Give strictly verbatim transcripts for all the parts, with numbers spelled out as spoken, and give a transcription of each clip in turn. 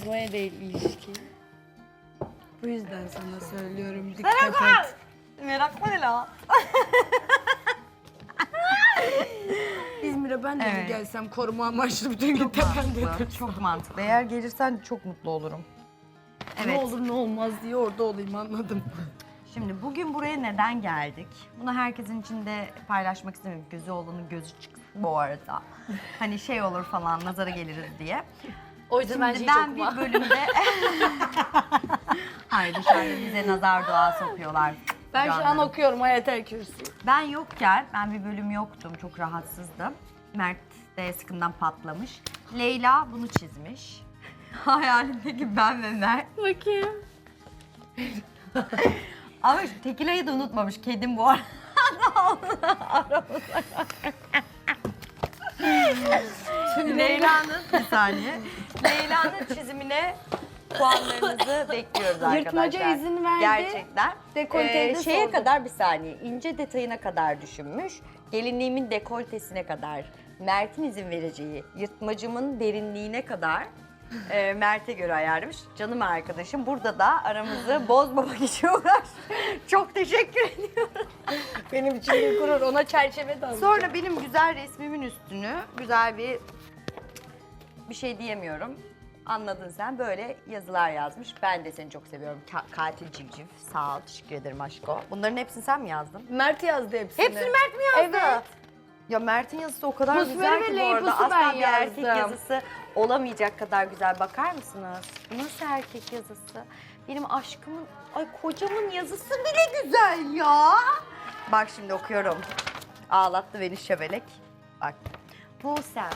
bozmaya değil ilişki. Bu yüzden sana söylüyorum dikkat et. Meraklı ne la? İzmir'e ben de Evet. mi gelsem koruma amaçlı bütün gün tepemde Mantıklı, çok mantıklı. Eğer gelirsen çok mutlu olurum. Ne Evet. olur ne olmaz diye orada olayım, anladım. Şimdi bugün buraya neden geldik? Bunu herkesin içinde paylaşmak istemiyorum. Gözü olanın gözü çıksın bu arada. Hani şey olur falan, nazara geliriz diye. O yüzden ben Şimdi şey ben çok bir bölümde... Hayır, dışarıda bize nazar duası okuyorlar. Ben şu an Canlarım. okuyorum Hayat-el Kürsi. Ben yokken, ben bir bölüm yoktum, çok rahatsızdım. Mert de sıkından patlamış. Leyla bunu çizmiş. Hayalindeki ben ve Mert. Bakayım. Ama şu tekilayı da unutmamış, kedim bu arada. Leyla'nın, bir saniye. Leyla'nın çizimine puanlarınızı bekliyoruz arkadaşlar. Yırtmaca izin verdi. Gerçekten. Dekolteyi de Ee, şeye sordu. kadar bir saniye, ince detayına kadar düşünmüş. Gelinliğimin dekoltesine kadar, Mert'in izin vereceği, yırtmacımın derinliğine kadar e, Mert'e göre ayarlamış. Canım arkadaşım burada da aramızı bozmamak için uğraş. Çok teşekkür ediyorum. Benim için bir gurur. Ona çerçeve de alacağım. Sonra benim güzel resmimin üstünü güzel bir bir şey diyemiyorum. Anladın sen, böyle yazılar yazmış. Ben de seni çok seviyorum. Ka- katil civciv. Sağ ol, teşekkür ederim aşko. Bunların hepsini sen mi yazdın? Mert yazdı hepsini. Hepsini Mert mi yazdı? Evet. Ya Mert'in yazısı o kadar Musmeri güzel ve ki bu arada. Leybus'u Asla ben bir erkek yazdım. yazısı olamayacak kadar güzel. Bakar mısınız? Bu nasıl erkek yazısı? Benim aşkımın, ay kocamın yazısı bile güzel ya. Bak şimdi okuyorum. Ağlattı beni şebelek. Bak. Bu sen.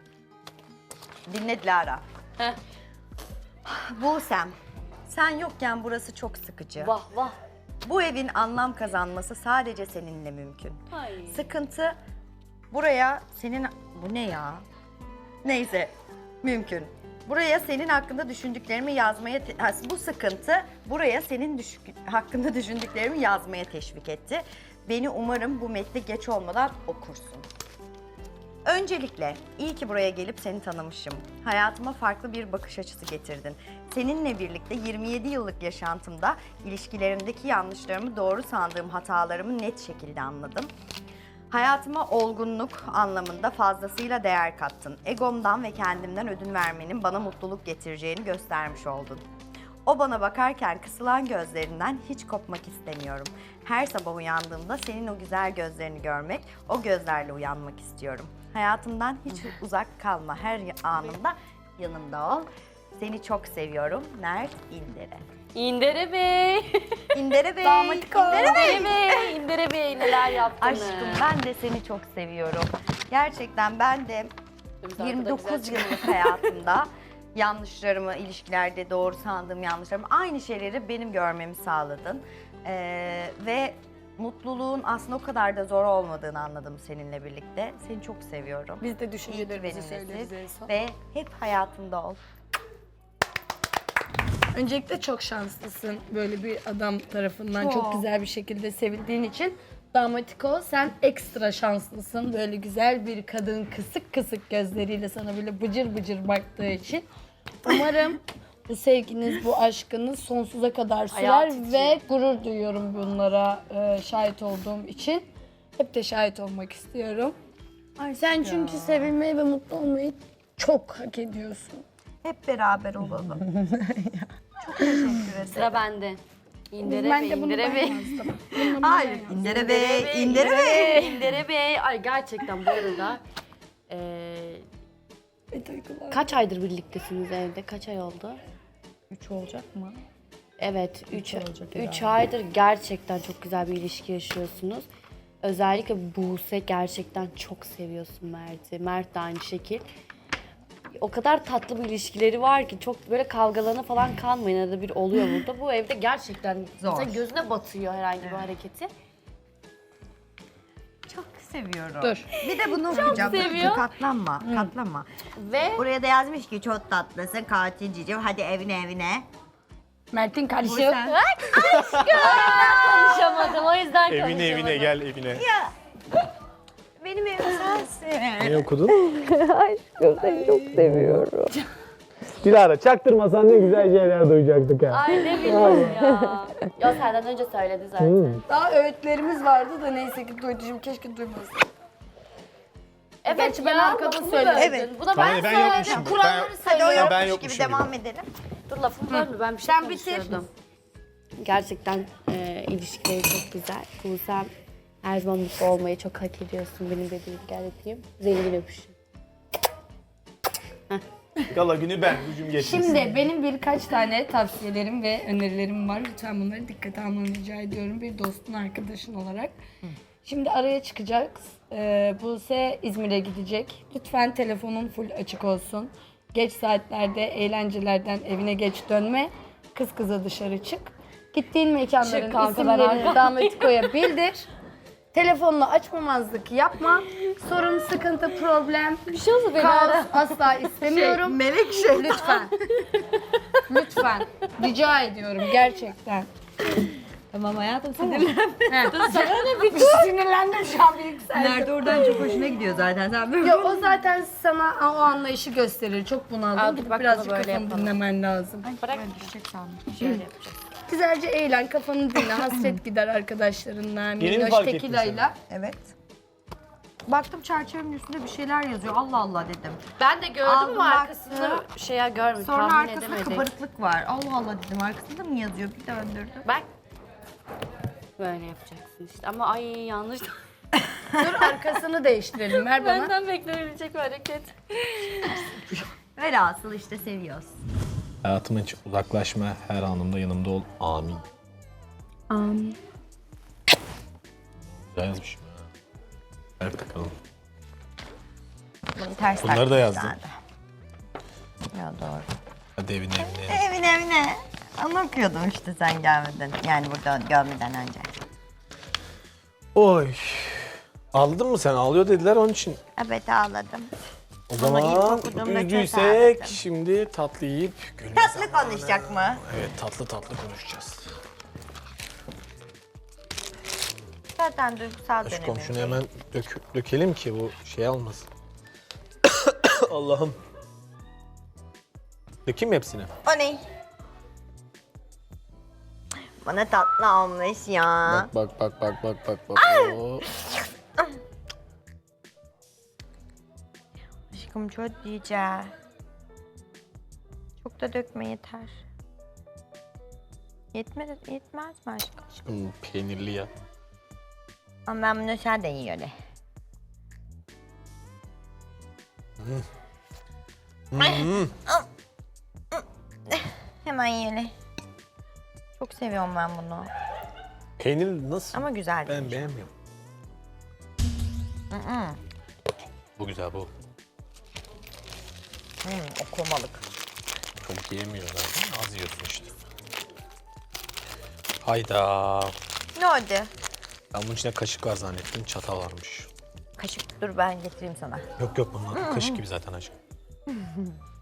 Dinle Dilara. Heh. Bu sen. Sen yokken burası çok sıkıcı. Vah vah. Bu evin anlam kazanması sadece seninle mümkün. Ay. Sıkıntı buraya senin... Bu ne ya? Neyse, mümkün. Buraya senin hakkında düşündüklerimi yazmaya... te- ha, bu sıkıntı buraya senin düşük... hakkında düşündüklerimi yazmaya teşvik etti. Beni umarım bu metni geç olmadan okursun. Öncelikle iyi ki buraya gelip seni tanımışım. Hayatıma farklı bir bakış açısı getirdin. Seninle birlikte yirmi yedi yıllık yaşantımda ilişkilerimdeki yanlışlarımı, doğru sandığım hatalarımı net şekilde anladım. Hayatıma olgunluk anlamında fazlasıyla değer kattın. Egomdan ve kendimden ödün vermenin bana mutluluk getireceğini göstermiş oldun. O bana bakarken kısılan gözlerinden hiç kopmak istemiyorum. Her sabah uyandığımda senin o güzel gözlerini görmek, o gözlerle uyanmak istiyorum. Hayatımdan hiç uzak kalma, her anında yanımda ol. Seni çok seviyorum. Mert İndere. İndere Bey. İndere Bey. Damatiko. İndere Bey. İndere Bey. İndere Bey neler yaptınız? Aşkım ben de seni çok seviyorum. Gerçekten ben de Biz arkada yirmi güzel dokuz çıkıyoruz. yıllık hayatımda yanlışlarımı, ilişkilerde doğru sandığım yanlışlarımı, aynı şeyleri benim görmemi sağladın. Ee, ve mutluluğun aslında o kadar da zor olmadığını anladım seninle birlikte. Seni çok seviyorum. Biz de İyi ki düşüncelerimizi söyleriz benimlesin en son. ve hep hayatımda ol. Öncelikle çok şanslısın böyle bir adam tarafından çok, Çok. güzel bir şekilde sevildiğin için. Damatiko sen ekstra şanslısın. Böyle güzel bir kadın kısık kısık gözleriyle sana böyle bıcır bıcır baktığı için. Umarım bu sevginiz, bu aşkınız sonsuza kadar sürer Hayat için. ve gurur duyuyorum bunlara e, şahit olduğum için. Hep de şahit olmak istiyorum. Sen çünkü sevilmeyi ve mutlu olmayı çok hak ediyorsun. Hep beraber olalım. Çok teşekkür ederim. Sıra bende. İndere ben Bey, de bunu İndere ben Bey. yazdım. Bunu ben Hayır, yazdım. İndere Bey, İndere Bey. İndere Bey. Ay gerçekten bu arada eee, Bir duygular. kaç aydır birliktesiniz evde? Kaç ay oldu? Üç olacak mı? Evet, üç olacak üç herhalde. aydır gerçekten çok güzel bir ilişki yaşıyorsunuz. Özellikle Buse gerçekten çok seviyorsun Mert'i. Mert de aynı şekil. O kadar tatlı bir ilişkileri var ki çok böyle kavgalarına falan kalmayın. Arada bir oluyor burada. Bu evde gerçekten Zor. mesela gözüne batıyor herhangi bir hareketi. Çok seviyorum. Dur. Bir de bunu okuyacağım. Dur, seviyor. dur, katlanma, katlanma. Ve Buraya da yazmış ki çok tatlısın, katil cicim. Hadi evine evine. Mert'in Bu kardeşi. sen. konuşamadım o yüzden Evine konuşamadım. evine gel evine. Benim evim sensin. Ne okudun? Dilara çaktırmasan ne güzel şeyler duyacaktık ha. Ay ne bileyim ya. Ya senden önce söyledi zaten. Hmm. Daha öğütlerimiz vardı da neyse ki duyducum keşke duymasın. Evet Gerçi ben ya, arkada lafımı söyledim. böldün. Evet. Bu da Tamam, ben, ben söyledim. yokmuşum. Kuralları Ben- Hadi o söylüyorum. ben yokmuş gibi yokmuşum devam edelim. Dur lafımı bölme, ben bir şey Sen bitir. konuşuyordum. Gerçekten e, ilişkileri çok güzel. Buse'm her zaman mutlu olmayı çok hak ediyorsun. Benim de bir gel öpeyim. Zengin öpüşüm. Gala günü ben, gücüm geçmesin. Şimdi benim birkaç tane tavsiyelerim ve önerilerim var. Lütfen bunları dikkate almanı rica ediyorum bir dostun, arkadaşın olarak. Şimdi araya çıkacağız. Ee, Buse İzmir'e gidecek. Lütfen telefonun full açık olsun. Geç saatlerde eğlencelerden evine geç dönme. Kız kıza dışarı çık. Gittiğin mekanların Çık kanka, ben isimlerini arkadayım. Dametiko'ya bildir. Telefonla açmamazlık yapma. Sorun, sıkıntı, problem, Bir şey olsa beni kaos ara. asla istemiyorum. Melek şey. Lütfen. Lütfen. Rica ediyorum gerçekten. Tamam hayatım sinirlenme. Sinirlendim şu an bir yükseldim. Nerede oradan çok hoşuna gidiyor zaten. Sen böyle Ya o zaten sana o anlayışı gösterir. Çok bunaldım. Al, Gidip bak birazcık bunu böyle kafanı yapalım. dinlemen lazım. Bırak. Şöyle yapacağız. Güzelce eğlen, kafanı dinle. Hasret gider arkadaşlarınla. mi Minnoş fark ettin tekilayla. Evet. Baktım çerçevenin üstünde bir şeyler yazıyor. Allah Allah dedim. Ben de gördüm Aldım, ama arkasında baktım. şeye görmedim. Sonra tahmin arkasında edemedim. kabarıklık var. Allah Allah dedim. Arkasında mı yazıyor? Bir döndürdüm. Bak. Böyle yapacaksın işte. Ama ay yanlış. Dur arkasını değiştirelim. Ver bana. Benden beklenebilecek bir hareket. Velhasıl işte seviyoruz. Hayatımın hiç uzaklaşma, her anımda yanımda ol. Amin. Amin. Güzel yazmışım ya. Ver bakalım. Bunu ters Bunları taktım da yazdım. zaten. Ya doğru. Hadi evine evine. Evine evine. Onu okuyordum işte sen gelmeden. Yani burada görmeden önce. Oy. Ağladın mı sen? Ağlıyor dediler onun için. Evet ağladım. O Ama ilk zaman okuduğumda çok üzücüysek ağladım. şimdi tatlı yiyip gülme Tatlı zamanı. konuşacak mı? Evet tatlı tatlı konuşacağız. Zaten duygusal Şu dönemi. komşunu hemen dök, dökelim ki bu şey almasın. Allah'ım. Dökeyim mi hepsini? O ne? Bana tatlı olmuş ya. Bak bak bak bak bak bak bak. Oo. Aşkım çok diyeceğim. Çok da dökme yeter. Yetmez, yetmez mi aşkım? Aşkım peynirli ya. Ama ben bunu sade yiyorum. Hmm. Hemen yiyelim. Çok seviyorum ben bunu. Peynir nasıl? Ama güzel Ben değil. beğenmiyorum. Hı. Bu güzel bu. Hmm, o komalık. Çok yiyemiyor zaten. Az yiyorsun işte. Hayda. Ne oldu? Ben bunun içinde kaşık var zannettim. Çatal varmış. Kaşık dur ben getireyim sana. Yok yok bunlar kaşık gibi zaten aşkım.